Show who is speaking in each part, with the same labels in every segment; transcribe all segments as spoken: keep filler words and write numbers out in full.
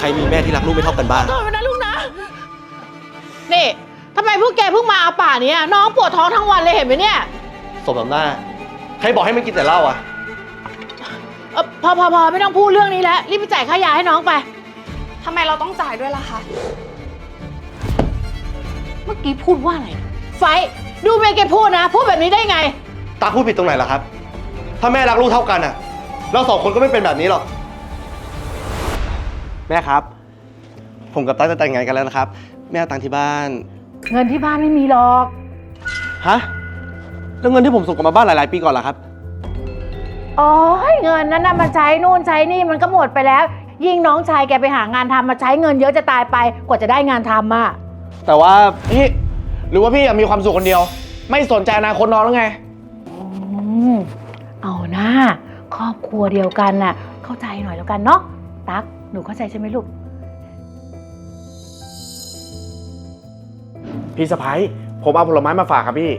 Speaker 1: รมีแม่ที่รักลูกไม่เท่ากันบ้าง
Speaker 2: โทษนะลูกนะนี่ทำไมพวกแกเพิ่งมาเอาป่านี้น้องปวดท้องทั้งวันเลยเห็นไหมเนี่ย
Speaker 1: สมน้ำหน้าใครบอกให้มันกินแต่เหล้าอ่ะ
Speaker 2: เออพอพอพอไม่ต้องพูดเรื่องนี้แล้วรีบไปจ่ายค่ายาให้น้องไป
Speaker 3: ทำไมเราต้องจ่ายด้วยล่ะคะ
Speaker 2: เมื่อกี้พูดว่าอะไรไฟดูเมย์แกพูดนะพูดแบบนี้ได้ไง
Speaker 1: ตาพูดผิดตรงไหนล่ะครับถ้าแม่รักลูกเท่ากันอ่ะเราสองคนก็ไม่เป็นแบบนี้หรอกแม่ครับผมกับตาจะแต่งงานกันแล้วนะครับแม่เอาตังค์ที่บ้าน
Speaker 2: เงินที่บ้านไม่มีหรอก
Speaker 1: ฮะแล้วเงินที่ผมส่งกลับมาบ้านหลายๆปีก่อนล่ะครับ
Speaker 2: อ๋อเงินนั้นน่ะมาใช้นู่นใช้นี่มันก็หมดไปแล้วยิ่งน้องชายแกไปหางานทำมาใช้เงินเยอะจะตายไปกว่าจะได้งานทำอ่ะ
Speaker 1: แต่ว่าพี่หรือว่าพี่อยากมีความสุขคนเดียวไม่สนใจอนาคตน้องแล้วไง
Speaker 2: อืมเอาหน้าครอบครัวเดียวกันน่ะเข้าใจหน่อยแล้วกันเนาะตั๊กหนูเข้าใจใช่ไหมลูก
Speaker 4: พี่สะพ้ายผมเอาผลไม้มาฝากครับพี่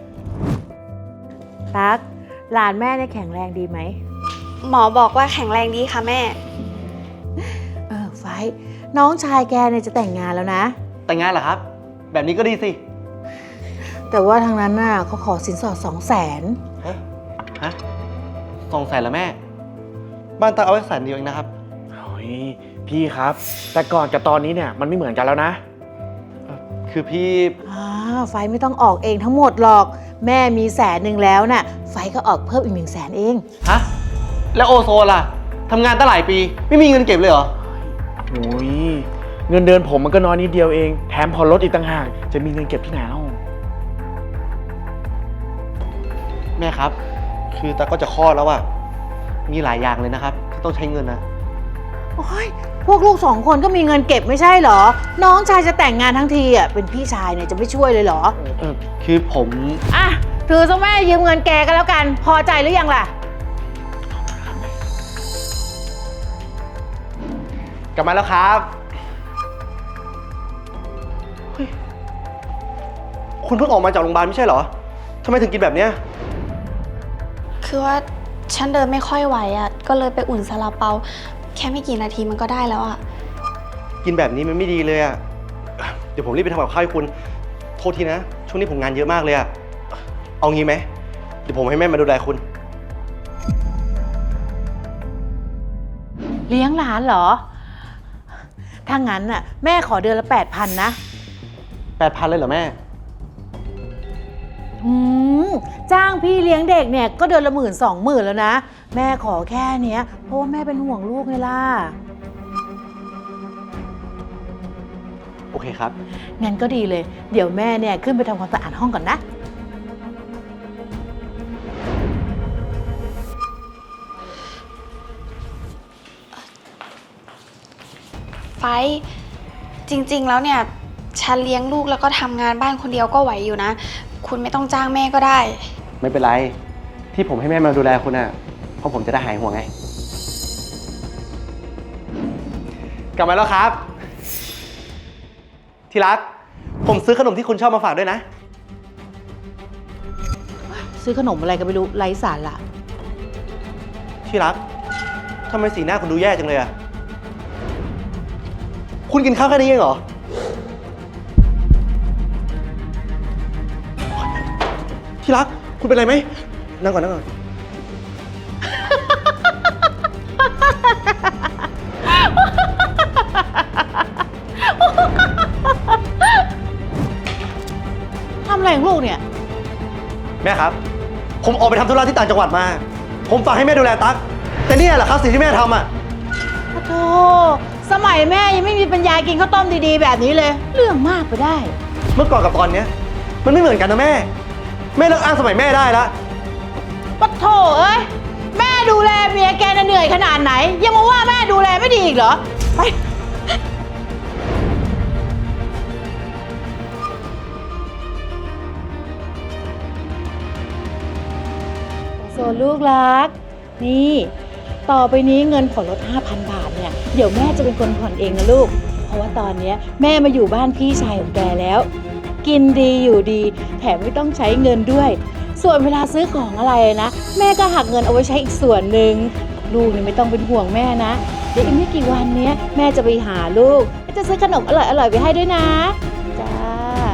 Speaker 2: ตั๊กหลานแม่เนี่ยแข็งแรงดีไหม
Speaker 3: หมอบอกว่าแข็งแรงดีค่ะแม่
Speaker 2: เออไฟน้องชายแกเนี่ยจะแต่งงานแล้วนะ
Speaker 1: แต่งงานเหรอครับแบบนี้ก็ดีสิ
Speaker 2: แต่ว่าทางนั้นน่ะเขาขอสินสอดสองแสน
Speaker 1: ฮะฮะสองแสนแล้วแม่บ้านตาเอาไว้แสนเดียวเองนะครับ
Speaker 4: โอ้ยพี่ครับแต่ก่อนกับตอนนี้เนี่ยมันไม่เหมือนกันแล้วนะ
Speaker 1: คือพี่
Speaker 2: อ่าไฟไม่ต้องออกเองทั้งหมดหรอกแม่มีแสนหนึ่งแล้วน่ะไฟก็ออกเพิ่มอีกหนึ่งแสนเอง
Speaker 1: ฮะแล้วโอโซล่ะทำงานตั้งหลายปีไม่มีเงินเก็บเลยเหรอ
Speaker 4: โอ้ยเงินเดือนผมมันก็น้อยนิดเดียวเองแถมผ่อนรถอีกต่างหากจะมีเงินเก็บที่ไหนเล่า
Speaker 1: แม่ครับคือตาก็จะคลอดแล้วอะมีหลายอย่างเลยนะครับที่ต้องใช้เงินนะ
Speaker 2: โอ้ยพวกลูกสองคนก็มีเงินเก็บไม่ใช่เหรอน้องชายจะแต่งงานทั้งทีอ่ะเป็นพี่ชายเนี่ยจะไม่ช่วยเลยเหรอ
Speaker 1: เออคือผม
Speaker 2: อ่ะถือซะแม่ยืมเงินแกก็แล้วกันพอใจหรือยังล่ะ
Speaker 1: กลับมาแล้วครับคุณเพิ่งออกมาจากโรงพยาบาลไม่ใช่เหรอทำไมถึงกินแบบเนี้ย
Speaker 3: คือว่าฉันเดินไม่ค่อยไหวอ่ะก็เลยไปอุ่นซาลาเปาแค่ไม่กี่นาทีมันก็ได้แล้วอ่ะ
Speaker 1: กินแบบนี้มันไม่ดีเลยอ่ะเดี๋ยวผมรีบไปทำกับข้าวให้คุณโทษทีนะช่วงนี้ผมงานเยอะมากเลยอ่ะเอางี้ไหมเดี๋ยวผมให้แม่มาดูแลคุณ
Speaker 2: เลี้ยงหลานเหรอถ้างั้นน่ะแม่ขอเดือนละแปดพันนะ
Speaker 1: แปดพันเลยเหรอแม่
Speaker 2: อืมจ้างพี่เลี้ยงเด็กเนี่ยก็เดือนละหมื่นสองหมื่นแล้วนะแม่ขอแค่เนี้ยเพราะว่าแม่เป็นห่วงลูกไงล่ะ
Speaker 1: โอเคครับ
Speaker 2: งั้นก็ดีเลยเดี๋ยวแม่เนี่ยขึ้นไปทำความสะอาดห้องก่อนนะ
Speaker 3: ไฟจริงๆแล้วเนี่ยฉันเลี้ยงลูกแล้วก็ทำงานบ้านคนเดียวก็ไหวอยู่นะคุณไม่ต้องจ้างแม่ก็ได้
Speaker 1: ไม่เป็นไรที่ผมให้แม่มาดูแลคุณน่ะเพราะผมจะได้หายห่วงไงกลับมาแล้วครับที่รักผมซื้อขนมที่คุณชอบมาฝากด้วยนะ
Speaker 2: ซื้อขนมอะไรก็ไม่รู้ไร้สาระ
Speaker 1: ที่รักทำไมสีหน้าคุณดูแย่จังเลยอะคุณกินข้าวแค่นี้เองเหรอที่รักคุณเป็นไรไหมนั่งก่อนนั่งก่อน
Speaker 2: ทำอะไรของลูกเนี่ย
Speaker 1: แม่ครับผมออกไปทำธุระที่ต่างจังหวัดมาผมฝากให้แม่ดูแลตั๊กแต่นี่แหละครับสิ่งที่แม่ทำอ่ะ
Speaker 2: โธ่สมัยแม่ยังไม่มีปัญญากินข้าวต้มดีๆแบบนี้เลยเรื่องมากไปได้
Speaker 1: เมื่อก่อนกับตอนนี้มันไม่เหมือนกันนะแม่แม่เลิกอ้างสมัยแม่ได้แล้ว
Speaker 2: ปะโถเอ้ยแม่ดูแลเมียแกน่ะเหนื่อยขนาดไหนยังมาว่าแม่ดูแลไม่ดีอีกเหรอไปโซลูกรักนี่ต่อไปนี้เงินผ่อนรถ ห้าพัน บาทเนี่ยเดี๋ยวแม่จะเป็นคนผ่อนเองนะลูกเพราะว่าตอนนี้แม่มาอยู่บ้านพี่ชายของแกแล้วกินดีอยู่ดีแถมไม่ต้องใช้เงินด้วยส่วนเวลาซื้อของอะไรนะแม่ก็หักเงินเอาไว้ใช้อีกส่วนหนึ่งลูกเนี่ยไม่ต้องเป็นห่วงแม่นะ เดี๋ยวอีกไม่กี่วันเนี้ยแม่จะไปหาลูกจะซื้อขนมอร่อยๆไปให้ด้วยนะ จ้า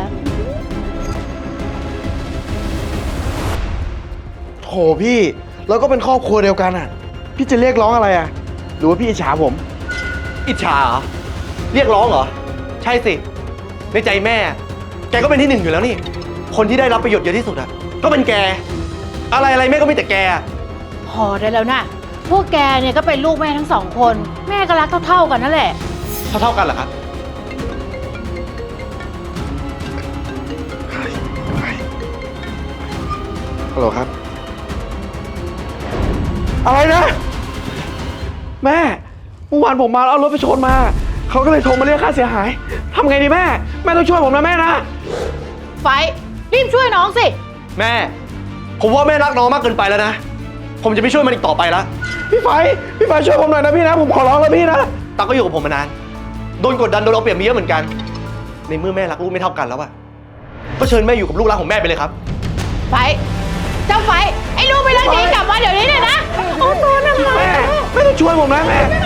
Speaker 4: โถพี่เราก็เป็นครอบครัวเดียวกันอ่ะ พี่จะเรียกร้องอะไรอ่ะ หรือว่าพี่อิจฉาผม
Speaker 1: อิจฉาเหรอ เรียกร้องเหรอ ใช่สิ ในใจแม่ แกก็เป็นที่หนึ่งอยู่แล้วนี่ คนที่ได้รับประโยชน์เยอะที่สุดอะก็เป็นแก อะไรอะไรแม่ก็มีแต่แกอะ
Speaker 2: พอได้แล้วนะ พวกแกเนี่ยก็เป็นลูกแม่ทั้งสองคน แม่ก็รักเท่าๆกันนั่นแหละ
Speaker 1: เท่าเท่าๆกันเหรอครับ
Speaker 4: ฮัลโหลครับ อะไรนะ แม่เมื่อวานผมมาแล้วเอารถไปชนมา เขาก็เลยโทรมาเรียกค่าเสียหายทำไงดีแม่ แม่ต้องช่วยผมนะแม่นะ
Speaker 2: ไฟรีบช่วยน้องสิ
Speaker 1: แม่ ผมว่าแม่รักน้องมากเกินไปแล้วนะ ผมจะไม่ช่วยมันอีกต่อไปแล้ว
Speaker 4: พี่ไฟพี่ไฟช่วยผมหน่อยนะพี่นะ ผมขอร้องแล้วพี่นะ
Speaker 1: ตั๊กก็อยู่กับผมมานาน โดนกดดันโดนเอาเปรียบมาเยอะเหมือนกัน ในเมื่อแม่รักลูกไม่เท่ากันแล้วอะก็เชิญแม่อยู่กับลูกรักของแม่ไปเลยครับ
Speaker 2: ไฟ เจ้าไฟ ไอ้ลูกไปเรื่องนี้กลับมาเดี๋ยวนี้เลยนะ โอ้ตัวนะ
Speaker 4: แม่แม่ต้องช่วยผมนะแม่